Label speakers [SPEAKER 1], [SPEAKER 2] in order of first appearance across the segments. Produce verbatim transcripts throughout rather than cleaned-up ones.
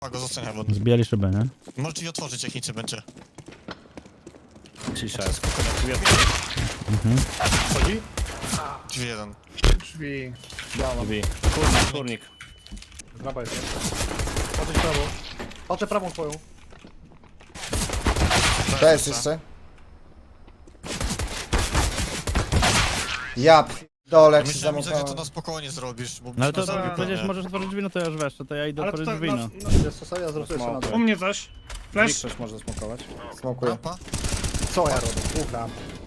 [SPEAKER 1] Go zostania wodny.
[SPEAKER 2] Zbijali szybę, nie?
[SPEAKER 1] Możesz drzwi otworzyć, jak nic nie będzie.
[SPEAKER 3] Cisza.
[SPEAKER 2] Mhm.
[SPEAKER 4] Chodzi?
[SPEAKER 1] Drzwi jeden.
[SPEAKER 4] Drzwi. Biała.
[SPEAKER 3] Drzwi. Kurnik, kurnik.
[SPEAKER 4] Drapa jest. Patrzeć prawo. Patrzę prawą twoją.
[SPEAKER 5] To jest jeszcze. Ja dole jak się
[SPEAKER 1] Myślałem, że to
[SPEAKER 5] zamykałem.
[SPEAKER 1] na spokojnie zrobisz, bo
[SPEAKER 2] No ale to,
[SPEAKER 1] byśmy
[SPEAKER 2] to
[SPEAKER 1] zabił
[SPEAKER 2] przecież
[SPEAKER 1] pewnie.
[SPEAKER 2] możesz otworzyć drzwi, no to ja już weszło, to ja idę
[SPEAKER 4] Ale to
[SPEAKER 2] otworzyć
[SPEAKER 4] tak,
[SPEAKER 2] drzwi, no.
[SPEAKER 4] no, no, jest to sobie, ja zrobię jeszcze na
[SPEAKER 3] U
[SPEAKER 4] dole.
[SPEAKER 6] U mnie coś. Flash.
[SPEAKER 3] Ktoś może smokować.
[SPEAKER 5] Smokuję.
[SPEAKER 1] Rampa?
[SPEAKER 4] Co ja robię? Ukram.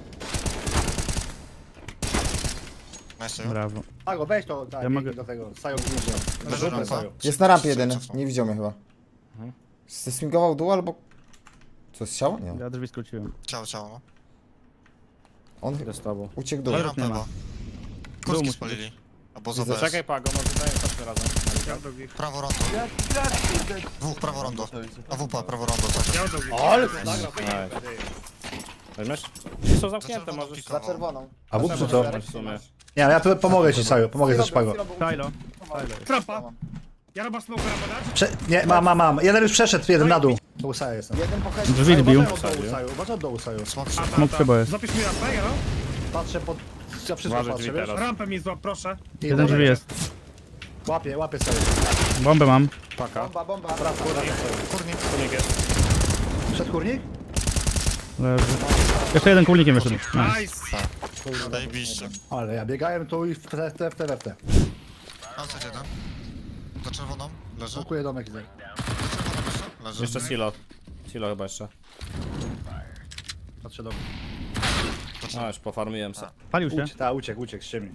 [SPEAKER 1] Nice.
[SPEAKER 2] Brawo.
[SPEAKER 4] Pago, weź to, tak,
[SPEAKER 2] Ja mogę-
[SPEAKER 4] do tego. Sajo górze.
[SPEAKER 1] Leży
[SPEAKER 4] Zróbmy
[SPEAKER 1] rampa.
[SPEAKER 4] Sajo.
[SPEAKER 5] Jest na rampie jeden.
[SPEAKER 1] Cofnął.
[SPEAKER 5] Nie widział mnie chyba.
[SPEAKER 3] Mhm.
[SPEAKER 5] Zeswingował dół albo... Co, jest ciało? Nie.
[SPEAKER 2] Ja drzwi skróciłem.
[SPEAKER 1] Ciało, ciało, no.
[SPEAKER 5] On
[SPEAKER 3] Idę z tobą.
[SPEAKER 5] uciekł dół.
[SPEAKER 1] I
[SPEAKER 2] Ale
[SPEAKER 1] rampę
[SPEAKER 2] nie ma.
[SPEAKER 1] chyba.
[SPEAKER 2] Dół
[SPEAKER 1] Kurski
[SPEAKER 2] musi
[SPEAKER 1] spalili. Albo za
[SPEAKER 5] Widzę.
[SPEAKER 1] B S.
[SPEAKER 3] Czekaj, Pago, może dajmy chodźmy razem.
[SPEAKER 6] Ja do nich.
[SPEAKER 1] Prawo rondo. Dwóch, prawo rondo. A W P, prawo rondo. cały
[SPEAKER 6] Ja
[SPEAKER 1] czas.
[SPEAKER 6] do nich.
[SPEAKER 4] Ale to nagrał.
[SPEAKER 3] Nice. Weźmiesz? I są zamknięte,
[SPEAKER 1] czerwoną
[SPEAKER 3] możesz...
[SPEAKER 1] pikował.
[SPEAKER 5] Za czerwoną.
[SPEAKER 4] A wód czy co?
[SPEAKER 3] w sumie.
[SPEAKER 4] Nie, ja tu pomogę ci, Sajo. Pomogę też Pago.
[SPEAKER 2] Silo.
[SPEAKER 6] Trapa. Ja robię smoke rampa dać.
[SPEAKER 4] Prze nie, mam, mam, mam. Jeden już przeszedł, jeden na dół. Do Usaja jestem.
[SPEAKER 5] Jeden po headzie.
[SPEAKER 2] Drzwi zbił.
[SPEAKER 4] Uważaj od dołu, Sajo. Uważaj od dołu, Sajo.
[SPEAKER 1] Smok
[SPEAKER 6] A, ta,
[SPEAKER 2] Smok
[SPEAKER 6] ta.
[SPEAKER 2] chyba jest.
[SPEAKER 6] Zapisz mi rampę, ja no?
[SPEAKER 4] Patrzę pod... Ja wszystko
[SPEAKER 3] Uważaj
[SPEAKER 4] patrzę,
[SPEAKER 3] drzwi
[SPEAKER 4] wiesz?
[SPEAKER 3] teraz.
[SPEAKER 6] Rampę mi złap, proszę.
[SPEAKER 4] I
[SPEAKER 2] Jeden drzwi jest.
[SPEAKER 4] Łapię, łapię Sajo.
[SPEAKER 2] Bombę mam.
[SPEAKER 3] Paka.
[SPEAKER 5] Bomba, bomba.
[SPEAKER 4] Prawo, prawo, Sajo.
[SPEAKER 1] Kurnik.
[SPEAKER 3] Kurnik jest.
[SPEAKER 4] Przed kurnik?
[SPEAKER 2] Leży. Jeszcze jeden kulnikiem wyszedł. Nice.
[SPEAKER 6] Nice.
[SPEAKER 1] Zajebiście.
[SPEAKER 4] Ale ja biegałem tu i w te, w te, w te, w te.
[SPEAKER 1] Outside jeden. Za czerwoną. Leży.
[SPEAKER 4] Smokuję domek i tak.
[SPEAKER 1] Leży.
[SPEAKER 3] Jeszcze silo. Silo chyba jeszcze.
[SPEAKER 4] Patrzę domek.
[SPEAKER 3] A, już pofarmiłem se.
[SPEAKER 2] Palił się.
[SPEAKER 4] Uciekł, ta, uciekł, uciekł z ciemni.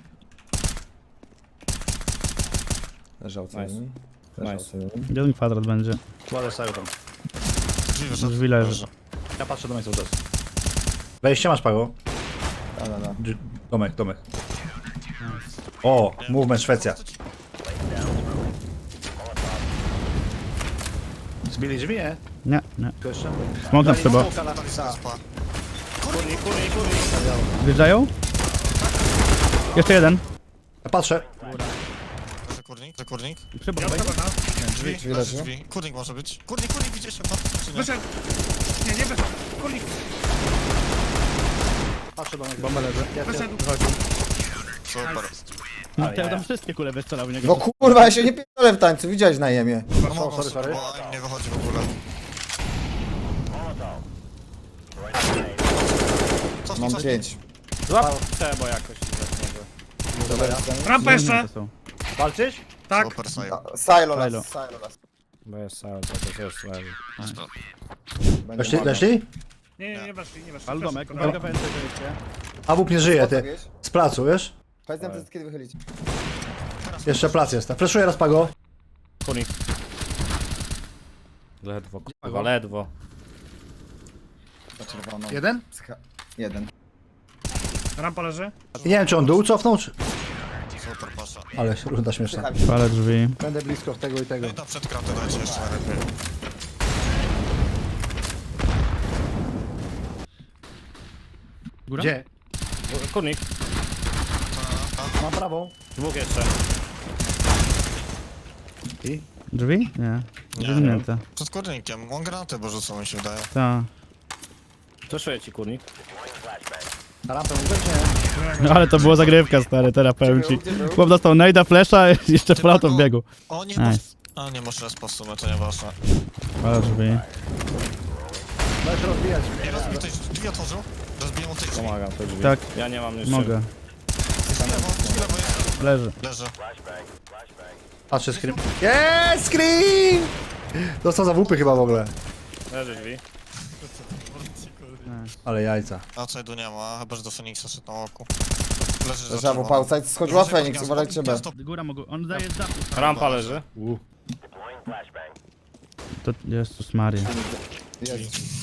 [SPEAKER 5] Leżał co
[SPEAKER 3] Nice.
[SPEAKER 5] jeden.
[SPEAKER 3] Nice.
[SPEAKER 5] Leżał co jeden.
[SPEAKER 2] Jeden kwadrat będzie.
[SPEAKER 4] Kładę Sajo tam.
[SPEAKER 1] Drzwi wyszedł.
[SPEAKER 2] Drzwi leży.
[SPEAKER 4] Ja patrzę domek cały czas. Wejście masz, Pago?
[SPEAKER 5] Da, da, da.
[SPEAKER 4] Dż- Domek, domek. O, movement Szwecja. Zbili drzwi, nie?
[SPEAKER 2] Nie, nie.
[SPEAKER 4] Tu jeszcze?
[SPEAKER 2] Smok na szybę.
[SPEAKER 4] Smoka na pisa.
[SPEAKER 1] Spa.
[SPEAKER 3] Kurnik, kurnik, kurnik.
[SPEAKER 2] Wjeżdżają? Jeszcze jeden.
[SPEAKER 4] Ja patrzę.
[SPEAKER 1] Leży kurnik. Leży kurnik.
[SPEAKER 2] Szybko.
[SPEAKER 6] Ja chyba na.
[SPEAKER 1] Drzwi.
[SPEAKER 5] Drzwi
[SPEAKER 1] Leży
[SPEAKER 5] leży.
[SPEAKER 1] drzwi. Kurnik może być. Kurnik, kurnik, widzisz się? Czy nie?
[SPEAKER 6] Wyszedł. Nie, nie wyszedł. Kurnik.
[SPEAKER 4] Patrzę domek.
[SPEAKER 2] Bomba leży.
[SPEAKER 6] Wyszedł.
[SPEAKER 1] Super.
[SPEAKER 2] No to ja tam wszystkie kule wystrzelał w niego.
[SPEAKER 5] No kurwa, ja się nie pierdolę w tańcu, widziałeś na jemie.
[SPEAKER 1] No mogą,
[SPEAKER 4] sorry, sorry.
[SPEAKER 1] bo im nie wychodzi w ogóle. Cofnij,
[SPEAKER 5] Mam
[SPEAKER 1] cofnij.
[SPEAKER 5] pięć.
[SPEAKER 3] Złap bo jakoś tak może.
[SPEAKER 6] Rampa jeszcze.
[SPEAKER 2] To są.
[SPEAKER 4] Walczysz?
[SPEAKER 6] Tak.
[SPEAKER 1] Super, Sajo.
[SPEAKER 5] Silo
[SPEAKER 2] Silo.
[SPEAKER 5] las, silo las.
[SPEAKER 3] Bo jest cały, to też jest leży.
[SPEAKER 5] Będzie
[SPEAKER 4] Weszli?
[SPEAKER 5] maga.
[SPEAKER 4] Weszli?
[SPEAKER 6] Nie, nie, nie weszli, nie weszli.
[SPEAKER 2] Ale domek.
[SPEAKER 6] Weszli.
[SPEAKER 2] Uwaga, pędzę, wyjście.
[SPEAKER 4] A bób nie żyje, ty.
[SPEAKER 5] Wiesz?
[SPEAKER 4] Z placu, wiesz?
[SPEAKER 5] Powiedz nam kiedy wychylić.
[SPEAKER 4] Jeszcze plac jest. Fleszuję raz, Pago.
[SPEAKER 3] Kurnik. Ledwo, kurwa, ledwo.
[SPEAKER 5] Za czerwoną.
[SPEAKER 4] Jeden?
[SPEAKER 5] Psycha- Jeden.
[SPEAKER 6] Rampa leży.
[SPEAKER 4] I nie wiem, czy on dół cofnął, czy...
[SPEAKER 1] Super, pasza.
[SPEAKER 4] Ale runda śmieszna.
[SPEAKER 5] Psychali.
[SPEAKER 2] Palę drzwi.
[SPEAKER 4] Będę blisko tego i tego.
[SPEAKER 1] No i na przedkratę dajcie jeszcze najlepiej.
[SPEAKER 2] Góra?
[SPEAKER 4] Gdzie?
[SPEAKER 3] Kurnik.
[SPEAKER 4] Mam prawą.
[SPEAKER 3] Dwóch jeszcze.
[SPEAKER 4] I?
[SPEAKER 2] Drzwi? Nie.
[SPEAKER 1] Nie.
[SPEAKER 2] Zamknięte.
[SPEAKER 1] Przed kurnikiem. On granatę bo rzucą, mi się wydaje.
[SPEAKER 2] Tak.
[SPEAKER 3] Zeszuję ci kurnik.
[SPEAKER 4] Na rampę mówię, czy nie?
[SPEAKER 2] No ale to była zagrywka, stary, teraz powiem ci.
[SPEAKER 5] Gdzie był?
[SPEAKER 2] Chłop dostał najda, flesza, jeszcze
[SPEAKER 1] Ty,
[SPEAKER 2] flautą w
[SPEAKER 1] Pago.
[SPEAKER 2] biegu.
[SPEAKER 1] O nie,
[SPEAKER 2] Nice.
[SPEAKER 1] nice. A nie, może raz po w sumie, to nieważne.
[SPEAKER 2] Palę drzwi.
[SPEAKER 4] Możesz rozbijać.
[SPEAKER 1] I rozbij ktoś drzwi otworzył? Rozbiję mu tej drzwi.
[SPEAKER 3] Pomagam te drzwi.
[SPEAKER 2] Tak.
[SPEAKER 3] Ja nie mam jeszcze.
[SPEAKER 2] Mogę.
[SPEAKER 1] Drzwi lewo, drzwi lewo jest.
[SPEAKER 2] Leży.
[SPEAKER 1] Leży.
[SPEAKER 4] Patrzę scream. Jest scream! Dostał za wupy chyba w ogóle.
[SPEAKER 3] Leży drzwi.
[SPEAKER 4] Ale jajca.
[SPEAKER 1] Outside'u nie ma, chyba że do Feniksa szedł na oku. Leży za
[SPEAKER 5] Leżało
[SPEAKER 1] czerwoną.
[SPEAKER 5] po outside, skoczyła
[SPEAKER 1] Uważaj,
[SPEAKER 5] Feniks,
[SPEAKER 1] gniazdo,
[SPEAKER 5] uważajcie B.
[SPEAKER 1] gniazdo.
[SPEAKER 2] Góra mogą. On daje z dachu.
[SPEAKER 3] Rampa leży.
[SPEAKER 4] U.
[SPEAKER 2] To Jezus Maria.
[SPEAKER 5] Jest.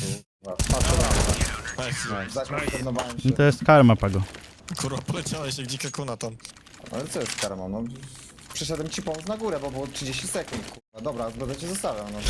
[SPEAKER 1] Nice.
[SPEAKER 5] Zakonfirmowałem się.
[SPEAKER 2] No to jest karma, Pago.
[SPEAKER 1] Kurwa, poleciałeś jak dzika kuna tam.
[SPEAKER 5] Ale co jest karma, no? Przyszedłem ci pomóc na górę, bo było trzydzieści sekund, kurwa. Dobra, będę cię zostawiał, no.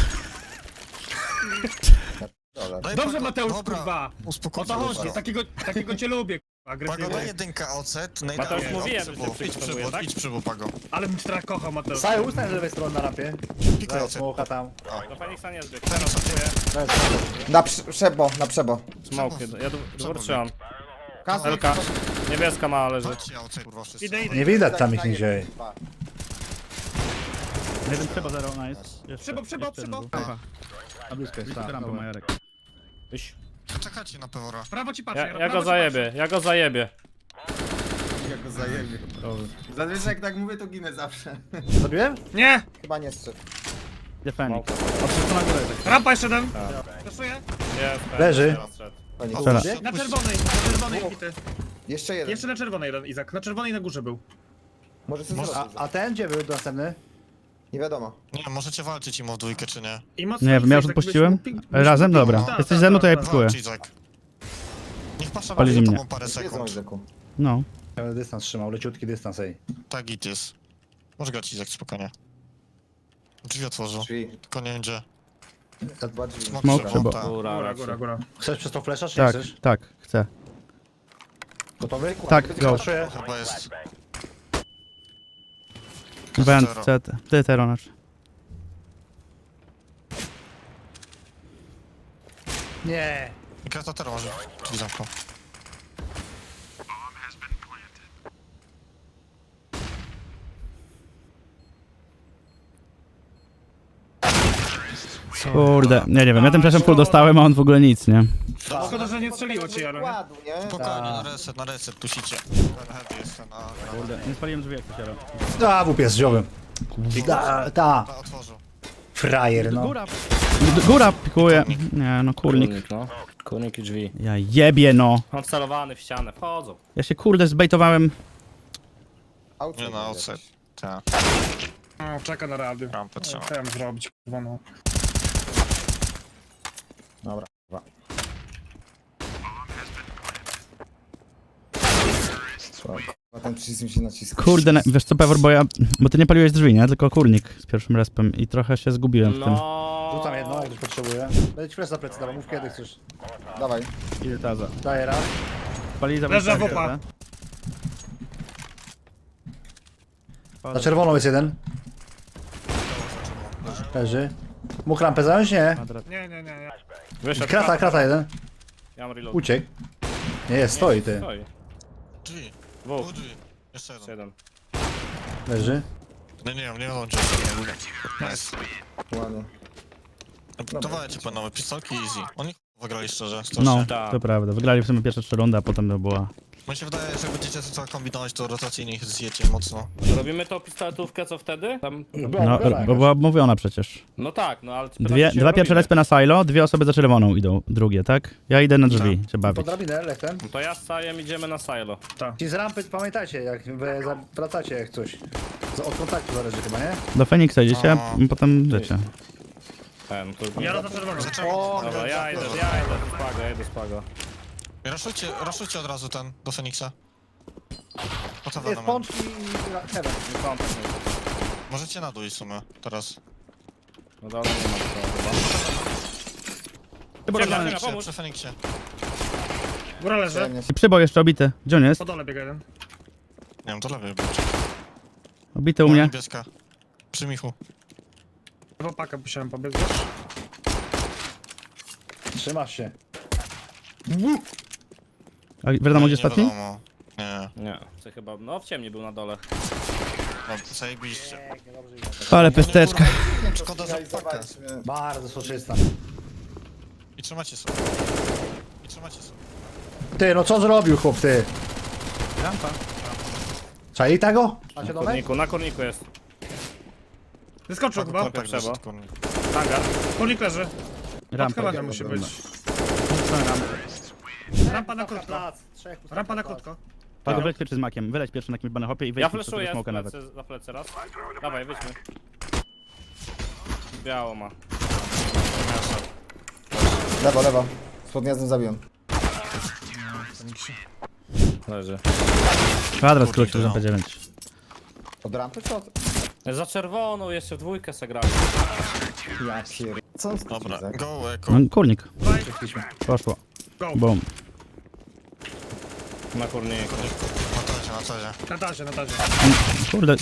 [SPEAKER 5] Ja pierdolę.
[SPEAKER 1] Daj
[SPEAKER 6] Dobrze,
[SPEAKER 1] Pago,
[SPEAKER 6] Mateusz,
[SPEAKER 1] dobra.
[SPEAKER 6] kurwa. O
[SPEAKER 1] Uspokój
[SPEAKER 6] to
[SPEAKER 1] się,
[SPEAKER 6] chodzi,
[SPEAKER 1] kurwa.
[SPEAKER 6] takiego, takiego cię lubię.
[SPEAKER 1] Pago
[SPEAKER 6] Agresywnie.
[SPEAKER 1] do jedynka O C, tu najda.
[SPEAKER 3] Mateusz, mówiłem, że
[SPEAKER 1] Idź
[SPEAKER 3] cię
[SPEAKER 1] przybu,
[SPEAKER 3] przygotowuję, tak?
[SPEAKER 1] idź przybu, Pago.
[SPEAKER 6] Ale bym cię tak kochał, Mateusz.
[SPEAKER 4] Saju, ustań z lewej strony na rampie.
[SPEAKER 1] Pikuj O C.
[SPEAKER 4] Smoka tam.
[SPEAKER 3] Do Feniksa nie zbieg. Teraz kupuję.
[SPEAKER 5] Na prze- przebo, na przebo.
[SPEAKER 3] Smoke. Ja dwór trzymam.
[SPEAKER 5] Kasy.
[SPEAKER 3] Elka. Niebieska mała leży.
[SPEAKER 1] Chodźcie O C, kurwa, wszyscy.
[SPEAKER 6] Idę, idę.
[SPEAKER 4] Nie widać tam ich nigdzie.
[SPEAKER 2] Jeden trzeba zero, nice. Jeszcze,
[SPEAKER 6] Przybo, przybo,
[SPEAKER 2] jeszcze
[SPEAKER 6] przybo.
[SPEAKER 2] jeden był. Aha. A blisko jest,
[SPEAKER 4] Tak,
[SPEAKER 2] rampa
[SPEAKER 4] dobra.
[SPEAKER 2] Majarek.
[SPEAKER 3] Iść.
[SPEAKER 1] Czekajcie na Pewora.
[SPEAKER 6] Prawo ci patrzę,
[SPEAKER 3] Ja, ja
[SPEAKER 6] prawo
[SPEAKER 3] go
[SPEAKER 6] ci
[SPEAKER 3] zajebię, ja go zajebię.
[SPEAKER 7] Ja go zajebie. Zazwyczaj jak tak mówię, to ginę zawsze.
[SPEAKER 4] Zabiłem?
[SPEAKER 6] patrzę. Nie!
[SPEAKER 5] Chyba nie strzedł.
[SPEAKER 2] Gdzie Fenix? O, wszystko na górę.
[SPEAKER 6] Rampa jeszcze jeden. Flashuję.
[SPEAKER 3] Jest,
[SPEAKER 4] Leży.
[SPEAKER 3] teraz szedł.
[SPEAKER 5] Fajnie.
[SPEAKER 2] Strzela.
[SPEAKER 6] Na czerwonej, na czerwonej bity.
[SPEAKER 5] Jeszcze jeden.
[SPEAKER 6] Jeszcze na czerwonej jeden, Izak. Na czerwonej na górze był.
[SPEAKER 5] Może sobie
[SPEAKER 1] Może-
[SPEAKER 5] zrobić.
[SPEAKER 4] A, a ten gdzie był następny?
[SPEAKER 5] Nie wiadomo.
[SPEAKER 1] Nie, możecie walczyć im o dwójkę, czy nie?
[SPEAKER 6] I mocno
[SPEAKER 2] Nie
[SPEAKER 6] Izak,
[SPEAKER 2] wiem, ja już
[SPEAKER 6] jakbyś
[SPEAKER 2] odpuściłem.
[SPEAKER 6] mógł pik- byś
[SPEAKER 2] Razem?
[SPEAKER 6] mógł-
[SPEAKER 2] Dobra.
[SPEAKER 6] Tak,
[SPEAKER 2] Jesteś
[SPEAKER 6] tak,
[SPEAKER 2] ze mną, to ja
[SPEAKER 6] tak,
[SPEAKER 2] pikuję.
[SPEAKER 1] Walcz, Izak. Niech pasza
[SPEAKER 2] Palili
[SPEAKER 1] za
[SPEAKER 2] mnie.
[SPEAKER 1] tobą parę
[SPEAKER 5] Wiedzą,
[SPEAKER 1] sekund.
[SPEAKER 5] Izaku.
[SPEAKER 2] No.
[SPEAKER 4] Ja będę dystans trzymał, leciutki dystans, ej.
[SPEAKER 1] Tak, git jest. Może grać Izak, spokojnie. Drzwi otworzył.
[SPEAKER 5] Drzwi.
[SPEAKER 1] Tylko nie wiem gdzie.
[SPEAKER 5] Dwa drzwi.
[SPEAKER 1] Smok
[SPEAKER 2] Smoke
[SPEAKER 1] trzeba,
[SPEAKER 2] trzeba.
[SPEAKER 1] tak.
[SPEAKER 3] Góra,
[SPEAKER 6] Góra,
[SPEAKER 3] raczej.
[SPEAKER 6] góra, góra.
[SPEAKER 4] Chcesz przez to flesza, czy nie
[SPEAKER 2] Tak,
[SPEAKER 4] chcesz?
[SPEAKER 2] tak, chcę.
[SPEAKER 4] Gotowy?
[SPEAKER 2] Tak, go.
[SPEAKER 4] Flashuję.
[SPEAKER 1] Chyba jest.
[SPEAKER 2] Wend,
[SPEAKER 1] Zero.
[SPEAKER 2] C T. Ty, Teronacz.
[SPEAKER 4] Nie.
[SPEAKER 1] I kratatera może drzwi zamknął.
[SPEAKER 2] Kurde, nie, nie wiem, ja tymczasem full dostałem, a on w ogóle nic, nie?
[SPEAKER 6] Szkoda, że nie strzeliło ci, ale...
[SPEAKER 5] Układu, nie?
[SPEAKER 1] Spokojnie, na reset, na reset, tusicie. Ten heavy jest ten, a...
[SPEAKER 2] Kurde, nie spaliłem drzwi jak to się
[SPEAKER 4] Da, w jest dziobem. Da, ta.
[SPEAKER 1] a, otworzył.
[SPEAKER 4] Frajer, no.
[SPEAKER 2] Góra! G- Góra pikuje. Nie, no kurnik.
[SPEAKER 3] Kurnik, no. Kurnik i drzwi.
[SPEAKER 2] Ja jebie, no.
[SPEAKER 3] Odcelowany w ścianę, wchodzą.
[SPEAKER 2] Ja się kurde zbejtowałem.
[SPEAKER 5] Outside
[SPEAKER 1] Nie na
[SPEAKER 5] jakiś.
[SPEAKER 1] outside. Tak,
[SPEAKER 6] O, czeka na rady.
[SPEAKER 1] rampę trzeba.
[SPEAKER 6] Chciałem zrobić, kurwa, no.
[SPEAKER 5] Dobra. Dwa. Słabo. Chyba ten przycisk mi się naciska.
[SPEAKER 2] Kurde, ne- wiesz co, Pewor, bo ja... Bo ty nie paliłeś drzwi, nie? Tylko kurnik z pierwszym respem i trochę się zgubiłem w tym.
[SPEAKER 3] No.
[SPEAKER 4] Rzucam jedno, jak ktoś potrzebuje. Będę ci flash za plecy dawał, mów kiedy chcesz.
[SPEAKER 5] Dawaj.
[SPEAKER 2] Ile taza?
[SPEAKER 4] Daję raz.
[SPEAKER 2] Pali za
[SPEAKER 6] Leży
[SPEAKER 2] wejście,
[SPEAKER 6] wopa.
[SPEAKER 2] nie?
[SPEAKER 4] Na czerwoną jest jeden. Leży. Mógł rampę zająć? Nie.
[SPEAKER 2] Kwadrat.
[SPEAKER 6] Nie, nie, nie, nie.
[SPEAKER 3] Wyszedł.
[SPEAKER 4] Krata, krata jeden.
[SPEAKER 3] Ja mam reload.
[SPEAKER 4] Uciekł. Nie jest, stoi ty.
[SPEAKER 3] Stoi.
[SPEAKER 1] Drzwi.
[SPEAKER 3] Dwóch.
[SPEAKER 1] Dwóch drzwi. Jeszcze
[SPEAKER 3] Jeszcze
[SPEAKER 1] jeden.
[SPEAKER 3] jeden.
[SPEAKER 4] Leży.
[SPEAKER 1] Nie, nie wiem, nie wiem, gdzie jest. Nice.
[SPEAKER 5] Ładnie.
[SPEAKER 1] Dawajcie panowie, pistolki easy. Oni ch- wygrali szczerze,
[SPEAKER 2] No,
[SPEAKER 1] strasznie.
[SPEAKER 3] Tak.
[SPEAKER 2] to prawda. Wygrali w sumie pierwsze trzy rundy, a potem to była...
[SPEAKER 1] Mi się wydaje, że jak będziecie co kombinować, to rotacyjnie ich zjecie mocno.
[SPEAKER 3] Robimy to pistoletówkę, co wtedy? Tam...
[SPEAKER 2] No, bo była mówiona przecież.
[SPEAKER 3] No tak, no ale...
[SPEAKER 2] Dwie, dwa pierwsze respy na silo, dwie osoby za czerwoną idą, drugie, tak? Ja idę na drzwi, się bawić.
[SPEAKER 4] Pod drabinę, lechtem.
[SPEAKER 3] No to ja z Sajem idziemy na silo.
[SPEAKER 4] Ci z rampy pamiętajcie, jak wy za- wracacie jak coś. Z- Od kontaktu zależy chyba, nie?
[SPEAKER 2] Do Feniksa idziecie,
[SPEAKER 1] A.
[SPEAKER 2] a potem wiecie.
[SPEAKER 3] Ten, to...
[SPEAKER 6] Ja za czerwoną.
[SPEAKER 5] O,
[SPEAKER 3] Dobra, ja idę, ja idę do Spago, ja idę do Spago.
[SPEAKER 1] Raszujcie, raszujcie od razu ten, do Feniksa. Po co
[SPEAKER 4] Jest
[SPEAKER 1] wiadomo?
[SPEAKER 4] pączki i ra- heaven.
[SPEAKER 3] Nie są też nie.
[SPEAKER 1] Możecie na dół iść w sumie, teraz.
[SPEAKER 3] No dobra, nie ma to chyba.
[SPEAKER 1] Przy
[SPEAKER 3] Ciemnia,
[SPEAKER 1] Feniksie,
[SPEAKER 3] pomóż.
[SPEAKER 1] przy Feniksie.
[SPEAKER 6] Góra leży.
[SPEAKER 5] Przyjemnie.
[SPEAKER 2] I przyboj jeszcze obity. Gdzie on jest?
[SPEAKER 6] Po dole biega jeden.
[SPEAKER 1] Nie wiem, to lepiej być.
[SPEAKER 2] Obity u mnie.
[SPEAKER 1] Niebieska. Przy Michu.
[SPEAKER 6] W opakę musiałem pobiec, wiesz?
[SPEAKER 4] Trzymasz się.
[SPEAKER 2] A wiadomo
[SPEAKER 1] Nie,
[SPEAKER 2] gdzie
[SPEAKER 1] nie
[SPEAKER 2] ostatni?
[SPEAKER 1] wiadomo. Nie,
[SPEAKER 3] Nie, co chyba, no w ciemni był na dole.
[SPEAKER 1] no zajebiście.
[SPEAKER 2] Ale pesteczka.
[SPEAKER 1] Szkoda za pakę.
[SPEAKER 4] Bardzo soczysta.
[SPEAKER 1] I trzymacie sobie. I trzymacie sobie.
[SPEAKER 4] Ty, no co zrobił chłop, ty?
[SPEAKER 2] Rampa.
[SPEAKER 4] Czai tego?
[SPEAKER 3] Na
[SPEAKER 4] Macie domek?
[SPEAKER 3] kurniku, na kurniku jest.
[SPEAKER 6] Wyskoczył chyba.
[SPEAKER 1] Kontakt
[SPEAKER 3] trzeba.
[SPEAKER 1] wyszedł, kurnik.
[SPEAKER 3] Hangar.
[SPEAKER 6] Kurnik leży.
[SPEAKER 2] Rampa.
[SPEAKER 6] Odchylania musi być. Rampa na krótko.
[SPEAKER 4] Plac. Trzech pustych
[SPEAKER 6] Rampa na
[SPEAKER 4] plac.
[SPEAKER 6] krótko.
[SPEAKER 2] Pago, wyleć pierwszy z makiem, wyleć pierwszy na jakimś banehopie i wejdź
[SPEAKER 3] Ja
[SPEAKER 2] mi
[SPEAKER 3] flashuję
[SPEAKER 2] smoka
[SPEAKER 3] z
[SPEAKER 2] nawet.
[SPEAKER 3] plecy, za plecy raz. Dawaj, wyjdźmy. Biało ma.
[SPEAKER 5] Lewo, lewo. Spod gniazdem zabiłem.
[SPEAKER 3] Leży.
[SPEAKER 2] Kwadrat skrócił za P dziewięć.
[SPEAKER 5] Od rampy co?
[SPEAKER 3] Za czerwoną jeszcze w dwójkę se grali.
[SPEAKER 5] Ja pier... Co on skrócił,
[SPEAKER 1] Dobra,
[SPEAKER 5] Izak?
[SPEAKER 1] go, eko.
[SPEAKER 2] No, kurnik.
[SPEAKER 6] Dawaj.
[SPEAKER 2] Poszło.
[SPEAKER 6] Go.
[SPEAKER 2] Boom.
[SPEAKER 3] Na kurniku.
[SPEAKER 1] Na tazie, na tazie.
[SPEAKER 6] Na tazie, na tazie.
[SPEAKER 2] Kurde,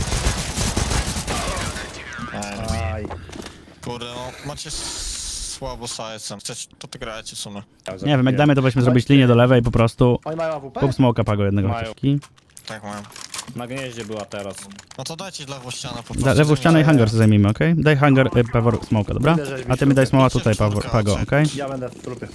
[SPEAKER 4] Aj.
[SPEAKER 1] Kurde, no macie słabo sajcem. Chcecie, to ty grajcie w sumie.
[SPEAKER 2] nie wiem, jak damy to weźmy zrobić linię do lewej po prostu.
[SPEAKER 4] Oni mają A W P?
[SPEAKER 2] Kup smoka pago jednego
[SPEAKER 3] Mają.
[SPEAKER 2] chociażki.
[SPEAKER 1] Tak mam.
[SPEAKER 3] Na gnieździe była teraz.
[SPEAKER 1] No to dajcie lewą ścianę po
[SPEAKER 2] Da,
[SPEAKER 1] prostu.
[SPEAKER 2] lewą ścianę i hangar sobie zajmijmy, okej? Daj hangar, y, Pawor, smoka, dobra? A ty mi daj smoła tutaj, Pawor, pago, okej?
[SPEAKER 4] Ja będę w trupie.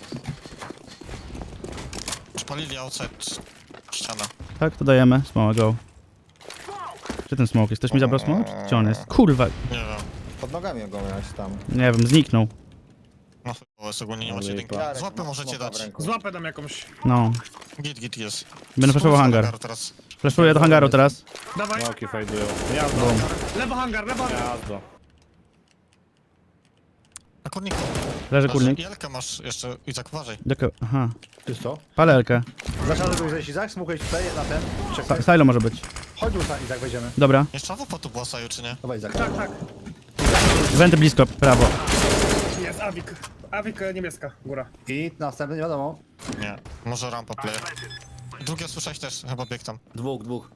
[SPEAKER 1] Spalili outside ścianę.
[SPEAKER 2] Tak, to dajemy, smoła, go. Gdzie ten smoke jest? Ktoś mi zabrał smoke? Gdzie on jest? Kurwa,
[SPEAKER 1] Nie wiem.
[SPEAKER 5] Pod nogami go miałeś tam.
[SPEAKER 2] nie wiem, zniknął.
[SPEAKER 1] No chyba jest ogólnie nie macie
[SPEAKER 3] Ale
[SPEAKER 1] jedynki.
[SPEAKER 5] Jarek,
[SPEAKER 1] Złapy
[SPEAKER 5] masz
[SPEAKER 1] możecie
[SPEAKER 5] smoka w
[SPEAKER 1] dać.
[SPEAKER 5] ręku.
[SPEAKER 6] Złapę tam jakąś.
[SPEAKER 2] No.
[SPEAKER 1] Git, git jest.
[SPEAKER 2] Będę flashował
[SPEAKER 1] Spójrz na
[SPEAKER 2] hangar.
[SPEAKER 1] hangar teraz.
[SPEAKER 2] Flashuję do hangaru teraz.
[SPEAKER 6] Dawaj.
[SPEAKER 3] Smoki fejdują. Jazdo,
[SPEAKER 6] Lewo hangar, lewo hangar.
[SPEAKER 3] jazdo.
[SPEAKER 1] Na kurniku.
[SPEAKER 2] Leży kurnik.
[SPEAKER 1] Jelkę masz jeszcze, Izak, uważaj.
[SPEAKER 2] Doko, aha.
[SPEAKER 4] Czysto.
[SPEAKER 2] Palelkę.
[SPEAKER 4] Zaczynamy tu zejść Izak, smukaj tutaj na ten. Czekaj.
[SPEAKER 2] Sa- Silo może być.
[SPEAKER 4] Chodź tu Izak, wejdziemy.
[SPEAKER 2] Dobra.
[SPEAKER 1] Jeszcze awupa tu była Saju, czy nie?
[SPEAKER 4] Dawaj Izak.
[SPEAKER 6] Tak, tak.
[SPEAKER 2] Wenty blisko, prawo.
[SPEAKER 6] Jest Avik. Avik e, niebieska, góra.
[SPEAKER 4] I następny, nie wiadomo.
[SPEAKER 1] Nie. Może rampa player. Drugie słyszałeś też, chyba bieg tam.
[SPEAKER 7] Dwóch, dwóch.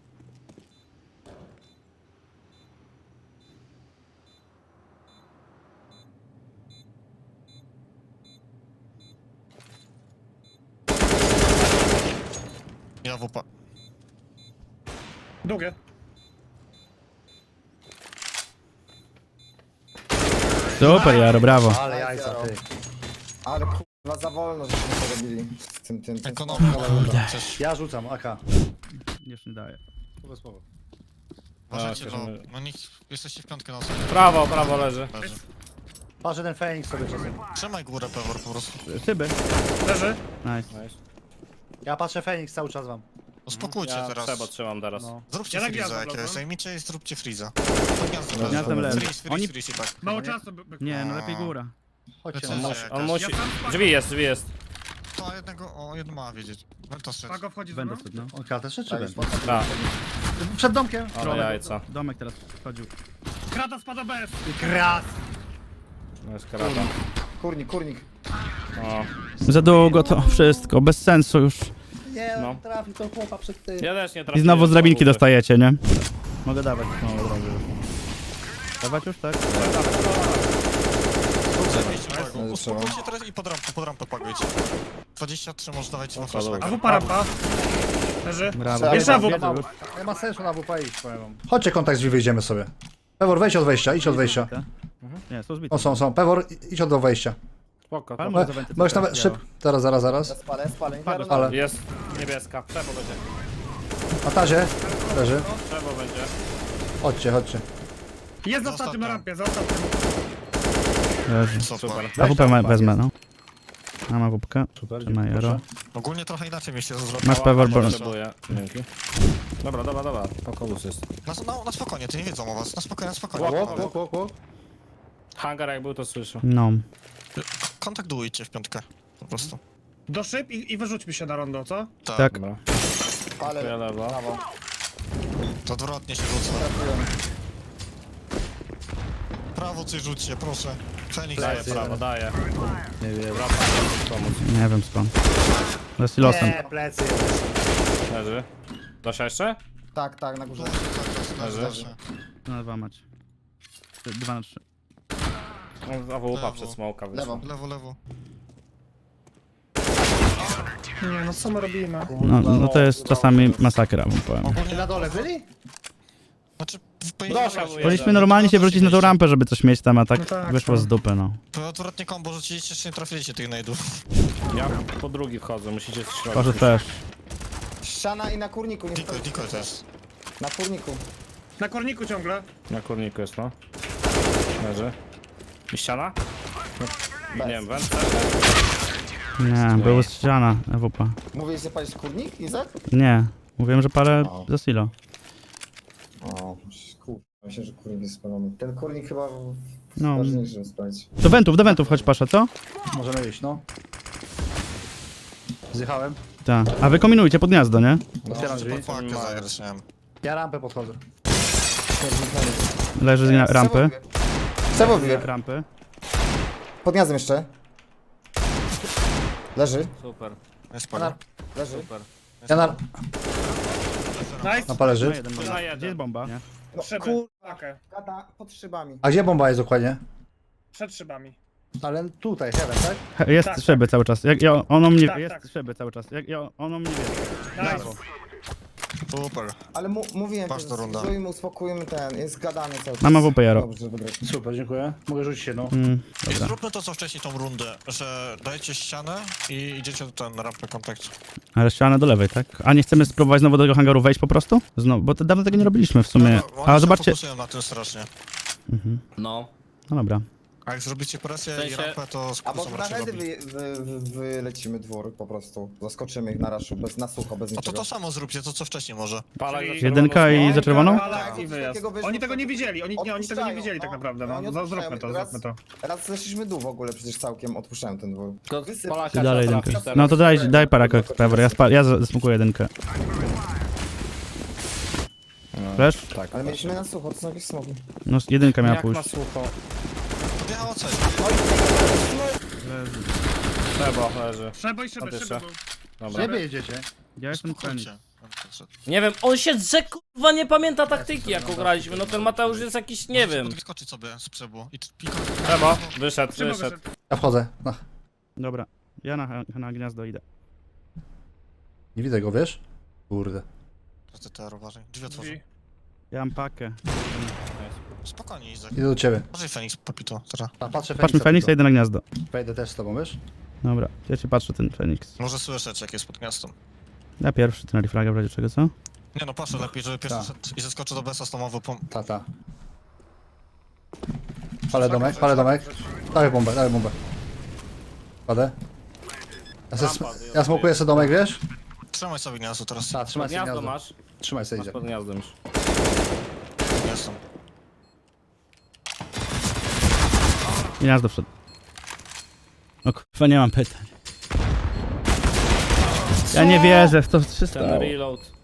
[SPEAKER 1] I awupa.
[SPEAKER 6] Długie.
[SPEAKER 2] Super, Jaro, brawo.
[SPEAKER 4] Ale jajca, ty.
[SPEAKER 5] Ale kurwa za wolno, żeśmy to robili. Z tym, tym, tym.
[SPEAKER 1] Ekonomia. Przecież
[SPEAKER 4] Ja rzucam, A K.
[SPEAKER 2] Już nie daję.
[SPEAKER 4] Słowo, słowo.
[SPEAKER 1] uważajcie,
[SPEAKER 3] Tak,
[SPEAKER 1] no,
[SPEAKER 3] żeby-
[SPEAKER 1] no niech jesteście w piątkę na sobie.
[SPEAKER 3] Prawo, prawo leży.
[SPEAKER 1] Leży.
[SPEAKER 4] Patrz, że ten Feniks sobie czasem.
[SPEAKER 1] Trzymaj górę, Pewor, po prostu.
[SPEAKER 2] Szyby.
[SPEAKER 6] Leży.
[SPEAKER 2] Nice.
[SPEAKER 3] Nice.
[SPEAKER 4] Ja patrzę Feniks cały czas wam.
[SPEAKER 1] Uspokójcie
[SPEAKER 3] Ja
[SPEAKER 1] teraz.
[SPEAKER 3] trzeba trzymam teraz.
[SPEAKER 4] No.
[SPEAKER 1] Zróbcie
[SPEAKER 6] Ja na
[SPEAKER 1] freeza
[SPEAKER 6] gniazdo
[SPEAKER 1] jakiegoś,
[SPEAKER 6] wlazłem.
[SPEAKER 1] zajmijcie i zróbcie freeza. To gniazdo
[SPEAKER 2] Gniazdem
[SPEAKER 1] leży.
[SPEAKER 2] leży.
[SPEAKER 1] Freeze, freeze,
[SPEAKER 2] Oni-
[SPEAKER 1] freeze i tak.
[SPEAKER 6] Mało czasu. by- by-
[SPEAKER 2] Nie, no lepiej góra.
[SPEAKER 4] Chodźcie,
[SPEAKER 1] Lecę.
[SPEAKER 4] no.
[SPEAKER 1] Jakaś-
[SPEAKER 3] On musi...
[SPEAKER 6] Ja sam-
[SPEAKER 3] Drzwi jest, drzwi jest.
[SPEAKER 1] To jednego, o, jedno ma wiedzieć. Wento strzec.
[SPEAKER 6] Pago wchodzi ze
[SPEAKER 2] Będę
[SPEAKER 6] mną.
[SPEAKER 2] szedł, no.
[SPEAKER 4] On kratę czy
[SPEAKER 5] Tak, już
[SPEAKER 4] będę?
[SPEAKER 5] potem.
[SPEAKER 3] Tak,
[SPEAKER 4] Przed domkiem.
[SPEAKER 3] ale jajca.
[SPEAKER 2] Domek teraz wchodził.
[SPEAKER 6] Krata spada bez.
[SPEAKER 4] Krat.
[SPEAKER 3] No jest karata.
[SPEAKER 5] Kurnik, kurnik.
[SPEAKER 3] O.
[SPEAKER 2] Za długo to wszystko, bez sensu już.
[SPEAKER 4] Nie,
[SPEAKER 3] No.
[SPEAKER 4] trafi to chłopa przed tym.
[SPEAKER 3] Ja też nie
[SPEAKER 2] I
[SPEAKER 3] trafiłem.
[SPEAKER 2] znowu z drabinki
[SPEAKER 3] znowu.
[SPEAKER 2] dostajecie, nie? Mogę dawać znowu od razu. Dawać już, tak?
[SPEAKER 1] Zabijcie Pago.
[SPEAKER 5] No,
[SPEAKER 1] Uspokójcie teraz i pod rampę, pod rampę pagujcie. dwadzieścia trzy może dawajcie na flash.
[SPEAKER 3] dobra.
[SPEAKER 6] AWP rampa. Leży.
[SPEAKER 2] Brawo.
[SPEAKER 6] Jeszcze AWP.
[SPEAKER 4] Nie ma, nie ma sensu na W P iść, powiem wam. Chodźcie kontakt drzwi, wyjdziemy sobie. Pewor, wejdź od wejścia, idź od wejścia.
[SPEAKER 2] Nie, są zbite.
[SPEAKER 4] O, są, są. Pewor, idź od do wejścia.
[SPEAKER 3] Spoko,
[SPEAKER 2] Ale
[SPEAKER 3] to...
[SPEAKER 2] może
[SPEAKER 4] Mo-
[SPEAKER 2] zawęty
[SPEAKER 4] Możesz
[SPEAKER 2] coś
[SPEAKER 4] nawet
[SPEAKER 2] działo.
[SPEAKER 4] szyb. Zaraz, zaraz, zaraz.
[SPEAKER 5] Ja spalę, spalę. Nie
[SPEAKER 2] Pago,
[SPEAKER 5] biorę
[SPEAKER 4] Ale.
[SPEAKER 5] na-
[SPEAKER 3] Jest niebieska. Przebo będzie.
[SPEAKER 4] Na tazie. Leży.
[SPEAKER 3] Przebo będzie.
[SPEAKER 4] Chodźcie, chodźcie.
[SPEAKER 6] Jest za
[SPEAKER 1] Zostaw
[SPEAKER 6] ostatnim na
[SPEAKER 1] tam.
[SPEAKER 6] rampie, za ostatnim.
[SPEAKER 2] Leży.
[SPEAKER 1] Super.
[SPEAKER 2] A W P ma- wezmę, no. Mam A W P.
[SPEAKER 4] Super,
[SPEAKER 2] Ma Jaro.
[SPEAKER 1] Ogólnie trochę inaczej mi się zrobiło.
[SPEAKER 2] Masz Pewor, bo...
[SPEAKER 3] Potrzebuję. Dzięki. Dobra, dobra, dobra. Pokolus jest.
[SPEAKER 1] Na, na, na spokojnie, ty nie wiedzą o was. Na spokojnie, na spokojnie.
[SPEAKER 4] Łok, łok, łok, łok.
[SPEAKER 3] Hangar jak był, to słyszę.
[SPEAKER 2] No.
[SPEAKER 1] Kontaktujcie w piątkę. Po prostu.
[SPEAKER 6] Do szyb i, i wyrzućmy się na rondo, co?
[SPEAKER 1] Tak.
[SPEAKER 2] Tak.
[SPEAKER 3] Dobra.
[SPEAKER 5] Spalę.
[SPEAKER 3] Ja lewo.
[SPEAKER 5] Prawo.
[SPEAKER 1] To odwrotnie się rzuca.
[SPEAKER 5] Trafiłem.
[SPEAKER 1] Prawo coś rzućcie, proszę. Fenix.
[SPEAKER 3] Daję prawo, daję.
[SPEAKER 4] Nie wiem.
[SPEAKER 3] Wracam, pomóc.
[SPEAKER 2] Nie wiem skąd. Za silosem.
[SPEAKER 4] Nie, plecy.
[SPEAKER 3] Leży. Dosia jeszcze?
[SPEAKER 5] Tak, tak, na górze.
[SPEAKER 1] Leży, leży.
[SPEAKER 2] Na dwa mać. Dwa na trzy.
[SPEAKER 3] A w łupa
[SPEAKER 1] Lewo.
[SPEAKER 3] przed smoka wyszła.
[SPEAKER 5] Lewo.
[SPEAKER 1] Lewo, lewo.
[SPEAKER 6] Nie, no co my robimy?
[SPEAKER 2] No, no to jest czasami masakra, wam powiem.
[SPEAKER 1] Ogólnie,
[SPEAKER 4] Na dole byli?
[SPEAKER 1] znaczy,
[SPEAKER 3] Dosia był
[SPEAKER 2] Powinniśmy
[SPEAKER 3] jeden.
[SPEAKER 2] normalnie się wrócić na tą rampę, żeby coś mieć tam, a tak
[SPEAKER 6] No tak,
[SPEAKER 2] wyszło
[SPEAKER 6] no.
[SPEAKER 2] z dupy, no.
[SPEAKER 1] to odwrotnie kombo rzuciliście, jeszcze nie trafiliście tych nade'ów.
[SPEAKER 3] Ja po drugi wchodzę, musicie strzelać.
[SPEAKER 2] Poszedł też.
[SPEAKER 5] Ściana i na kurniku, nie
[SPEAKER 1] Diko,
[SPEAKER 5] stoi.
[SPEAKER 1] diko też.
[SPEAKER 5] Na kurniku.
[SPEAKER 6] Na korniku ciągle.
[SPEAKER 3] Na kurniku jest, no. Leży. I ściana? Nie wiem, wędce.
[SPEAKER 2] Nie, była ściana, E W P.
[SPEAKER 5] Mówisz, że palisz kurnik, Izak?
[SPEAKER 2] Nie, mówiłem, że parę
[SPEAKER 5] O.
[SPEAKER 2] za silo.
[SPEAKER 5] O, kurwa, myślę, że kurnik jest spalony. Ten kurnik chyba
[SPEAKER 2] No.
[SPEAKER 5] ważniejszy, żeby spalić.
[SPEAKER 2] Do wentów, do wentów chodź Pasza, co?
[SPEAKER 4] Możemy iść, no. Zjechałem.
[SPEAKER 2] Tak. A wy kombinujcie pod gniazdo, nie?
[SPEAKER 4] Otwieram drzwi.
[SPEAKER 1] Pakę zagrać, nie wiem.
[SPEAKER 4] Ja rampę podchodzę.
[SPEAKER 2] Leży z gnia- rampy.
[SPEAKER 5] Cewo wybieg.
[SPEAKER 2] Rampy.
[SPEAKER 5] Pod gniazdem jeszcze. Leży.
[SPEAKER 3] Super,
[SPEAKER 1] Nie spoko.
[SPEAKER 5] Leży.
[SPEAKER 3] super.
[SPEAKER 4] Ja na...
[SPEAKER 6] Nice.
[SPEAKER 4] na pależy.
[SPEAKER 2] Na jeden,
[SPEAKER 3] Na jeden.
[SPEAKER 2] Gdzie jest bomba? Nie?
[SPEAKER 5] No,
[SPEAKER 6] Szyby.
[SPEAKER 5] kur...
[SPEAKER 6] Pakę.
[SPEAKER 5] Gada pod szybami.
[SPEAKER 4] A gdzie bomba jest dokładnie?
[SPEAKER 6] Przed szybami.
[SPEAKER 4] Ale tutaj, heaven, tak?
[SPEAKER 2] He- Jest
[SPEAKER 6] Tak,
[SPEAKER 2] szyby cały czas. Jak, ja, ono mnie,
[SPEAKER 6] Tak,
[SPEAKER 2] jest
[SPEAKER 6] tak.
[SPEAKER 2] szyby cały czas. Jak, ja, ono mnie wie.
[SPEAKER 6] Nice.
[SPEAKER 1] Super.
[SPEAKER 5] Ale mu, mówiłem,
[SPEAKER 1] Patrz to runda.
[SPEAKER 5] zbudujmy, uspokójmy ten, jest gadany cały czas.
[SPEAKER 2] Mam A W P, Jaro.
[SPEAKER 5] Dobrze, wygrać.
[SPEAKER 4] Super, dziękuję. Mogę rzucić jedną.
[SPEAKER 2] Mm,
[SPEAKER 1] I
[SPEAKER 2] dobra.
[SPEAKER 1] zróbmy to co wcześniej tą rundę, że dajecie ścianę i idziecie do ten rampę kontaktu.
[SPEAKER 2] Ale ściana do lewej, tak? A nie chcemy spróbować znowu do tego hangaru wejść po prostu? Znowu, bo to dawno tego nie robiliśmy w sumie.
[SPEAKER 1] No, oni
[SPEAKER 2] A
[SPEAKER 1] się
[SPEAKER 2] zobaczcie.
[SPEAKER 1] fokusują na tym strasznie.
[SPEAKER 2] Mhm.
[SPEAKER 3] No.
[SPEAKER 2] No dobra.
[SPEAKER 1] A jak zrobicie presję
[SPEAKER 3] W sensie-
[SPEAKER 1] i rampę, to
[SPEAKER 5] Albo
[SPEAKER 1] skusą
[SPEAKER 5] na
[SPEAKER 1] raczej
[SPEAKER 5] hedy
[SPEAKER 1] robi.
[SPEAKER 5] wy, wy, wy, wylecimy dwór po prostu. Zaskoczymy ich na raszu, bez, na sucho, bez
[SPEAKER 1] No to
[SPEAKER 5] niczego.
[SPEAKER 1] to samo zróbcie, to co wcześniej może.
[SPEAKER 3] Palak
[SPEAKER 6] Czyli-
[SPEAKER 3] za
[SPEAKER 2] Jedynka
[SPEAKER 3] czerwoną
[SPEAKER 2] i za czerwoną?
[SPEAKER 6] Palak i wyjazd.
[SPEAKER 5] Takiego wyszło,
[SPEAKER 6] Oni tego nie
[SPEAKER 5] to-
[SPEAKER 6] widzieli, oni, nie, oni tego nie
[SPEAKER 5] Odpuszczają,
[SPEAKER 6] widzieli tak
[SPEAKER 5] no.
[SPEAKER 6] naprawdę,
[SPEAKER 5] Oni
[SPEAKER 6] no. Za-
[SPEAKER 5] odpuszczają.
[SPEAKER 6] Zróbmy to,
[SPEAKER 5] Raz-
[SPEAKER 6] zróbmy to.
[SPEAKER 5] Raz zeszliśmy dół w ogóle, przecież całkiem odpuszczałem ten dwór.
[SPEAKER 3] Tylko
[SPEAKER 5] Wysyp-
[SPEAKER 3] Polaka
[SPEAKER 2] I dalej
[SPEAKER 3] trzeba
[SPEAKER 2] jedynkę.
[SPEAKER 3] trafić
[SPEAKER 2] No to
[SPEAKER 3] teraz.
[SPEAKER 2] daj, daj paraka, Trevor. Ja, spa- ja z- zasmukuję jedynkę. Wiesz?
[SPEAKER 3] Tak.
[SPEAKER 5] Ale mieliśmy na sucho, to są jakieś smoki.
[SPEAKER 2] No jedynka miała
[SPEAKER 3] Jak na
[SPEAKER 2] pójść.
[SPEAKER 3] sucho.
[SPEAKER 1] Podjechało coś.
[SPEAKER 3] Trzeba, leży.
[SPEAKER 6] Szyboj, szyby,
[SPEAKER 3] Oddyszę.
[SPEAKER 6] szyby. był.
[SPEAKER 3] Dobra.
[SPEAKER 4] Gdzie wy jedziecie?
[SPEAKER 2] Ja jestem Fenix.
[SPEAKER 1] Chodźcie.
[SPEAKER 8] Nie wiem, on się drze, kurwa, nie pamięta taktyki, jaką graliśmy. No ten Mateusz jest jakiś, nie wiem.
[SPEAKER 1] Skoczyć sobie z przebu i piko.
[SPEAKER 3] Trzeba. Wyszedł,
[SPEAKER 6] Szyby
[SPEAKER 3] wyszedł.
[SPEAKER 6] wyszedł.
[SPEAKER 4] Ja wchodzę. No.
[SPEAKER 2] Dobra. Ja na, na gniazdo idę.
[SPEAKER 4] Nie widzę go, wiesz? Kurde.
[SPEAKER 1] Ty te uważaj. Drzwi otworzę.
[SPEAKER 6] Drzwi.
[SPEAKER 2] Ja mam pakę.
[SPEAKER 1] Spokojnie, Izak.
[SPEAKER 4] Idę do ciebie.
[SPEAKER 1] Może Feniks popito, teraz.
[SPEAKER 4] A, patrzę
[SPEAKER 2] Patrz mi Feniks, ja idę na gniazdo.
[SPEAKER 4] Wejdę też z tobą, wiesz?
[SPEAKER 2] Dobra, ja cię patrzę ten Feniks.
[SPEAKER 1] Może słyszeć, jak jest pod miastem.
[SPEAKER 2] Ja pierwszy, ty na reflaga w razie czego, co?
[SPEAKER 1] Nie no, patrzę lepiej, żeby pierwszy
[SPEAKER 4] Tak.
[SPEAKER 1] szedł i zeskoczył do Besa z tą ową.
[SPEAKER 4] Ta, ta. Palę domek, palę domek. Dawaj bombę, dawaj bombę. Padę. Ja, se, ja smokuję sobie domek, wiesz?
[SPEAKER 1] Trzymaj sobie gniazdo teraz.
[SPEAKER 4] Ta, trzymaj sobie
[SPEAKER 3] Gniazdo
[SPEAKER 4] gniazdo.
[SPEAKER 3] masz.
[SPEAKER 4] Trzymaj sobie,
[SPEAKER 3] Masz
[SPEAKER 4] idzie.
[SPEAKER 3] pod gniazdem już.
[SPEAKER 1] Jestem.
[SPEAKER 2] Gniazdo wszedł. No kurwa, nie mam pytań. Ja nie wierzę w to
[SPEAKER 3] Ten
[SPEAKER 2] wszystko.
[SPEAKER 3] reload.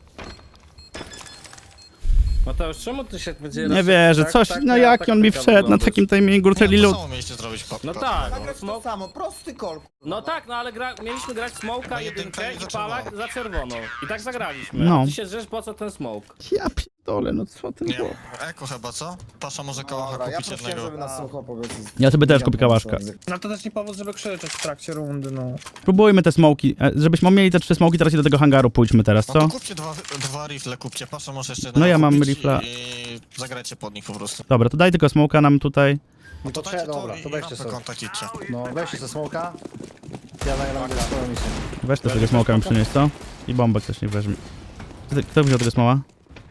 [SPEAKER 3] Mateusz, czemu ty się będzie...
[SPEAKER 2] Nie wierzę,
[SPEAKER 3] tak-
[SPEAKER 2] coś,
[SPEAKER 3] tak
[SPEAKER 2] no
[SPEAKER 3] miała
[SPEAKER 2] jak on mi
[SPEAKER 3] taktyka
[SPEAKER 2] wszedł na
[SPEAKER 3] wyglądać.
[SPEAKER 2] takim timingu,
[SPEAKER 1] Nie,
[SPEAKER 2] ten
[SPEAKER 1] to
[SPEAKER 2] reload.
[SPEAKER 1] samo mieliście zrobić. Pa,
[SPEAKER 3] No
[SPEAKER 1] pa-
[SPEAKER 3] tak,
[SPEAKER 5] Nagrać to
[SPEAKER 3] smok...
[SPEAKER 5] samo, prosty kol.
[SPEAKER 3] No tak, no ale gra... mieliśmy grać smoka,
[SPEAKER 1] No jedynka
[SPEAKER 3] jedynkę
[SPEAKER 1] i
[SPEAKER 3] i
[SPEAKER 1] za
[SPEAKER 3] palak
[SPEAKER 1] czerwoną.
[SPEAKER 3] za czerwoną. I tak zagraliśmy.
[SPEAKER 2] No.
[SPEAKER 3] A ty się drzesz, po co ten smoke?
[SPEAKER 2] Ja pierdolę, no co ty
[SPEAKER 1] Nie,
[SPEAKER 2] było?
[SPEAKER 1] eko chyba, co? Pasza może kałacha
[SPEAKER 5] Dobra, ja
[SPEAKER 1] kupić
[SPEAKER 5] prosiłem,
[SPEAKER 1] jednego.
[SPEAKER 5] żeby na sucho powiedz.
[SPEAKER 2] Ja sobie też kupię kałaszka.
[SPEAKER 6] No to też nie powód, żeby krzyczeć w trakcie rundy, no.
[SPEAKER 2] Próbujmy te smoki, e, żebyśmy mieli te trzy smoki, teraz i do tego hangaru pójdźmy teraz,
[SPEAKER 1] No to
[SPEAKER 2] co?
[SPEAKER 1] kupcie dwa, dwa rifle, kupcie. Pasza może jeszcze
[SPEAKER 2] No
[SPEAKER 1] jednego
[SPEAKER 2] ja mam
[SPEAKER 1] kupić
[SPEAKER 2] rifla.
[SPEAKER 1] I zagrajcie pod nich po prostu.
[SPEAKER 2] Dobra, to daj tylko smoka nam tutaj.
[SPEAKER 1] No to
[SPEAKER 4] to
[SPEAKER 1] dajcie
[SPEAKER 4] trzeba-
[SPEAKER 1] to
[SPEAKER 4] dobra,
[SPEAKER 1] i
[SPEAKER 4] to
[SPEAKER 1] i
[SPEAKER 4] weźcie
[SPEAKER 1] rampę
[SPEAKER 4] sobie.
[SPEAKER 1] kontakt idźcie.
[SPEAKER 4] No, weźcie ze smoka. Ja zagram swoją misję.
[SPEAKER 2] Weź też tego smoka mi przynieść, co? I bombę ktoś nie weźmie. Kto- Kto wziął tego smoła?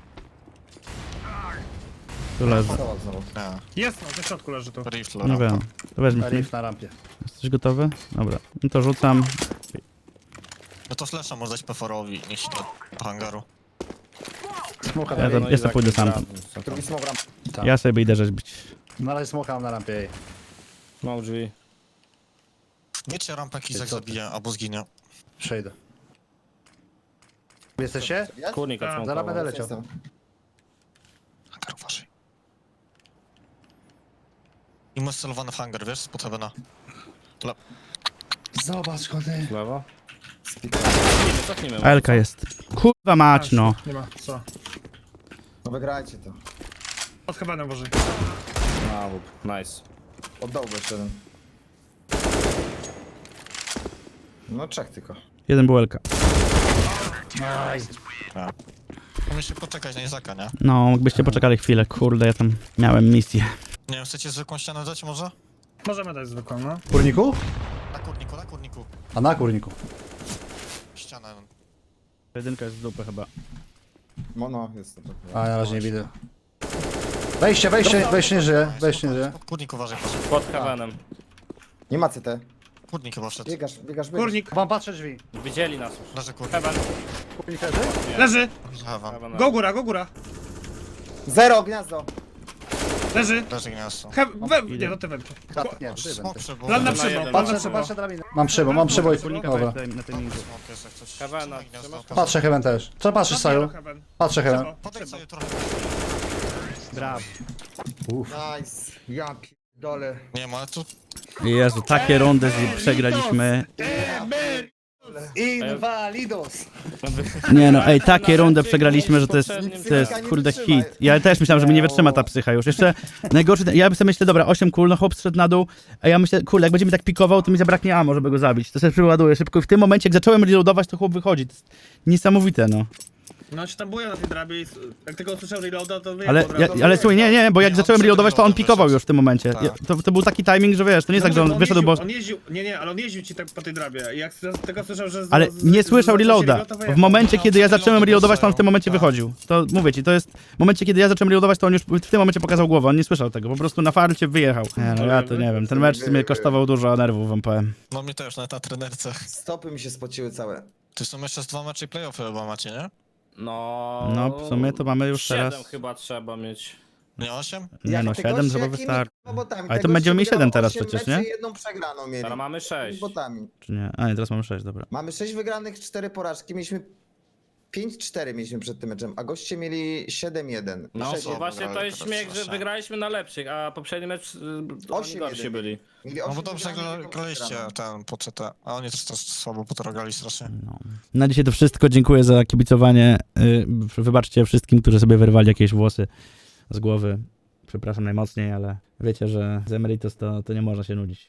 [SPEAKER 2] Tu leży.
[SPEAKER 5] Zobacz znowu.
[SPEAKER 1] Nie,
[SPEAKER 6] Jest, no, na środku leży tu.
[SPEAKER 1] rifle,
[SPEAKER 2] Nie
[SPEAKER 1] rampa.
[SPEAKER 2] wiem. To weźmy.
[SPEAKER 4] Riff na rampie.
[SPEAKER 2] Jesteś gotowy? Dobra. No to rzucam.
[SPEAKER 1] No to flasha może dać Peforowi, niech się do hangaru.
[SPEAKER 4] Smoka
[SPEAKER 2] Ja
[SPEAKER 4] na
[SPEAKER 2] to-
[SPEAKER 4] rampie.
[SPEAKER 2] ja to pójdę sam.
[SPEAKER 5] Drugi smok ram.
[SPEAKER 4] Tak.
[SPEAKER 2] Ja sobie idę rzeźbić.
[SPEAKER 4] Na razie smoka mam na rampie, ej.
[SPEAKER 3] Mam drzwi.
[SPEAKER 1] Wiecie, rampa Kizak
[SPEAKER 4] co ty?
[SPEAKER 1] zabije albo zginie.
[SPEAKER 4] Przejdę. Jesteście?
[SPEAKER 5] Ja?
[SPEAKER 3] Kurnik
[SPEAKER 6] Tak.
[SPEAKER 3] od
[SPEAKER 4] Zaraz będę
[SPEAKER 3] smoke'ował.
[SPEAKER 4] leciał.
[SPEAKER 5] Jestem.
[SPEAKER 1] Hangar uważaj. I masz celowany w hangar, wiesz, spod heavena. Le-
[SPEAKER 4] Zobacz, kody.
[SPEAKER 3] W lewo.
[SPEAKER 5] Spika.
[SPEAKER 3] Cofnijmy, cofnijmy.
[SPEAKER 2] Elka jest. Kurwa mać, no.
[SPEAKER 6] Nie ma, co?
[SPEAKER 5] No wygrajcie to.
[SPEAKER 6] Pod hebanem boży.
[SPEAKER 3] A, łup. Nice.
[SPEAKER 5] Oddałby jeszcze jeden. No czek tylko.
[SPEAKER 2] Jeden był Elka.
[SPEAKER 1] Musisz poczekać na Izaka, nie?
[SPEAKER 2] No, jakbyście poczekali chwilę, kurde, ja tam miałem misję.
[SPEAKER 1] Nie wiem, chcecie zwykłą ścianę dać może?
[SPEAKER 6] Możemy dać zwykłą, no.
[SPEAKER 4] Kurniku?
[SPEAKER 1] Na kurniku, na kurniku.
[SPEAKER 4] A na kurniku.
[SPEAKER 1] Ścianę.
[SPEAKER 2] Jedynka jest z dupy chyba.
[SPEAKER 5] No, no, jest to.
[SPEAKER 4] A, na razie nie widzę. Wejście, wejście, wejście nie żyje, wejście nie żyje.
[SPEAKER 1] Kurnik uważaj, proszę.
[SPEAKER 3] Pod heavenem.
[SPEAKER 5] Nie ma C T.
[SPEAKER 1] Kurnik chyba wszedł.
[SPEAKER 5] Biegasz, biegasz, biegasz.
[SPEAKER 6] Kurnik,
[SPEAKER 4] Wam patrzę drzwi.
[SPEAKER 3] Widzieli nas już.
[SPEAKER 1] Leży kurnik.
[SPEAKER 3] Heaven.
[SPEAKER 4] Kurnik leży?
[SPEAKER 6] leży!
[SPEAKER 1] Heaven.
[SPEAKER 3] Heaven.
[SPEAKER 6] Go góra, go góra!
[SPEAKER 5] Zero, gniazdo.
[SPEAKER 6] Leży!
[SPEAKER 1] Leży gniazdo.
[SPEAKER 6] He we, nie, no ty wędrze.
[SPEAKER 4] Tak, nie, trzy
[SPEAKER 1] Smok
[SPEAKER 4] będę.
[SPEAKER 1] przybył.
[SPEAKER 6] Plan na
[SPEAKER 3] Na
[SPEAKER 6] przybo,
[SPEAKER 3] jeden.
[SPEAKER 6] plan na
[SPEAKER 4] Patrzę,
[SPEAKER 6] przybo.
[SPEAKER 4] patrzę drabinę. Mam przybo, mam przybo i...
[SPEAKER 2] Kurnika
[SPEAKER 4] Dobra.
[SPEAKER 2] to jest na timingu.
[SPEAKER 1] Smok jest jak coś.
[SPEAKER 3] Heavena,
[SPEAKER 1] Trzymaj gniazdo.
[SPEAKER 3] trzymasz?
[SPEAKER 4] Patrzę Heaven też. Co patrzysz, Saju?
[SPEAKER 6] Heaven.
[SPEAKER 4] Patrzę Heaven.
[SPEAKER 6] Przybo,
[SPEAKER 1] Podejdź
[SPEAKER 6] przybo.
[SPEAKER 1] sobie trochę.
[SPEAKER 2] Brawo.
[SPEAKER 4] Uff.
[SPEAKER 5] Nice. Ja pierdolę.
[SPEAKER 1] Nie ma, ale tu
[SPEAKER 2] Jezu, takie rundy z- przegraliśmy.
[SPEAKER 5] Invalidos!
[SPEAKER 2] Nie no, ej, takie rundę przegraliśmy, że to jest, to jest kurde hit. Ja też myślałem, że mi nie wytrzyma ta psycha już. Jeszcze najgorszy, ja sobie myślę, dobra, osiem kul, no chłop zszedł na dół, a ja myślę, kurde, jak będzie mi tak pikował, to mi zabraknie ammo, żeby go zabić. To sobie przyładuję szybko i w tym momencie, jak zacząłem reloadować, to chłop wychodzi. To jest niesamowite, no.
[SPEAKER 6] No się tam buja na tej drabie i s- jak tylko usłyszał reloada, to wie
[SPEAKER 2] Ale,
[SPEAKER 6] od
[SPEAKER 2] ja,
[SPEAKER 6] razu.
[SPEAKER 2] ale słuchaj, nie, nie, bo jak
[SPEAKER 1] Nie,
[SPEAKER 2] zacząłem
[SPEAKER 1] on
[SPEAKER 2] reloadować, to on
[SPEAKER 1] przed
[SPEAKER 2] pikował
[SPEAKER 1] reloadem
[SPEAKER 2] już w tym momencie.
[SPEAKER 1] Tak.
[SPEAKER 2] Ja, to, to był taki timing, że wiesz, to nie jest tak, że
[SPEAKER 6] No,
[SPEAKER 2] on wyszedł, bo...
[SPEAKER 6] jeździł, on jeździł, nie, nie, ale on jeździł ci tak po tej drabie i jak z- tego słyszał, że... z-
[SPEAKER 2] Ale
[SPEAKER 6] z-
[SPEAKER 2] nie
[SPEAKER 6] z-
[SPEAKER 2] słyszał
[SPEAKER 6] z-
[SPEAKER 2] reloada.
[SPEAKER 6] z- to
[SPEAKER 2] W
[SPEAKER 6] wyjechał.
[SPEAKER 2] momencie,
[SPEAKER 1] No,
[SPEAKER 2] kiedy ja
[SPEAKER 1] przed
[SPEAKER 2] zacząłem
[SPEAKER 1] reloadem
[SPEAKER 2] reloadować, to on w tym
[SPEAKER 1] słyszał,
[SPEAKER 2] momencie
[SPEAKER 1] tak.
[SPEAKER 2] wychodził. To mówię ci, to jest... W momencie, kiedy ja zacząłem reloadować, to on już w tym momencie pokazał głowę. On nie słyszał tego, po prostu na farcie wyjechał. Nie, no ja to nie wiem, ten mecz mnie kosztował dużo nerwów, wam powiem.
[SPEAKER 1] No mnie też, nawet na trenerce.
[SPEAKER 5] Stopy mi się spociły całe.
[SPEAKER 1] Ty są jeszcze z dwa mecze i playoffy chyba macie, nie?
[SPEAKER 8] No...
[SPEAKER 2] No, w sumie to mamy już
[SPEAKER 8] siedem
[SPEAKER 2] teraz...
[SPEAKER 8] chyba trzeba mieć.
[SPEAKER 1] Nie osiem?
[SPEAKER 2] Nie
[SPEAKER 5] Jak
[SPEAKER 2] no,
[SPEAKER 5] te
[SPEAKER 2] siedem
[SPEAKER 5] goście,
[SPEAKER 2] chyba
[SPEAKER 5] jakimi
[SPEAKER 2] wystarczy.
[SPEAKER 5] robotami?
[SPEAKER 2] Ale
[SPEAKER 5] Te
[SPEAKER 2] to
[SPEAKER 5] goście
[SPEAKER 2] będziemy mieć
[SPEAKER 5] wygrało
[SPEAKER 2] siedem teraz
[SPEAKER 5] osiem
[SPEAKER 2] przecież,
[SPEAKER 5] meczy
[SPEAKER 2] nie?
[SPEAKER 5] i jedną przegraną mieli.
[SPEAKER 8] Teraz mamy sześć.
[SPEAKER 5] Botami.
[SPEAKER 2] Czy nie? A nie, teraz mamy sześć, dobra.
[SPEAKER 5] Mamy sześć wygranych, cztery porażki. Mieliśmy pięć cztery mieliśmy przed tym meczem, a goście mieli siedem jeden.
[SPEAKER 8] No
[SPEAKER 5] sześć
[SPEAKER 8] to
[SPEAKER 5] jeden.
[SPEAKER 8] właśnie to
[SPEAKER 1] wygrali
[SPEAKER 8] jest
[SPEAKER 1] teraz
[SPEAKER 8] śmiech, że
[SPEAKER 1] strasznie.
[SPEAKER 8] wygraliśmy na lepszych, a poprzedni mecz y, to oni
[SPEAKER 5] osiem
[SPEAKER 8] gorsi
[SPEAKER 5] jeden.
[SPEAKER 8] byli.
[SPEAKER 5] Mieli
[SPEAKER 1] No bo
[SPEAKER 5] osiem
[SPEAKER 1] dobrze
[SPEAKER 5] wygranych,
[SPEAKER 1] gra-
[SPEAKER 5] jedną
[SPEAKER 1] graliście
[SPEAKER 5] przegraną.
[SPEAKER 1] ten po C T, a oni też to słabo potrogali strasznie.
[SPEAKER 2] No. Na dzisiaj to wszystko. Dziękuję za kibicowanie. Yy, Wybaczcie wszystkim, którzy sobie wyrwali jakieś włosy z głowy. Przepraszam najmocniej, ale wiecie, że z Emeritus to, to nie można się nudzić.